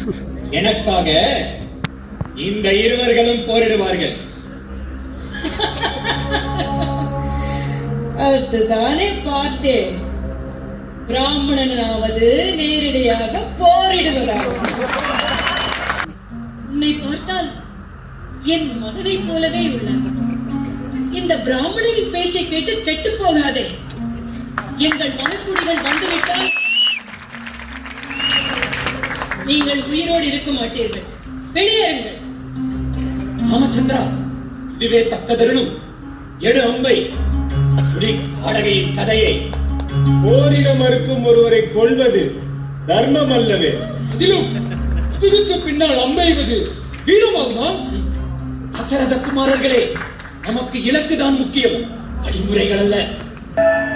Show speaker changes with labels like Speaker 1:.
Speaker 1: எனக்காக இந்த இருவர்களும் போரிடுவார்கள்.
Speaker 2: அதுதானே பார்த்தேன். பிராமணனாவது நேரடியாக போரிடுவதாகும். உன்னை பார்த்தால் என் மகனை போலவே உள்ளார். இந்த பிராமணரின் பேச்சை கேட்டு கெட்டு போகாதே. எங்கள் மனக்குடிகள் வந்துவிட்டால் நீங்கள் உயிரோடு இருக்க மாட்டீர்கள். வெளியேறுங்கள்.
Speaker 1: ராமச்சந்திரா, இதுவே தக்க தருணம். எடு அம்பை. காடகையின் கதையை.
Speaker 3: போரிட மறுக்கும் ஒருவரை கொல்வது தர்மம் அல்லவே.
Speaker 1: அதிலும் இதுக்கு பின்னால் அம்பெய்வது வீரமாகுமா? தசரத குமாரர்களே, நமக்கு இலக்குதான் முக்கியம், வழிமுறைகள் அல்ல.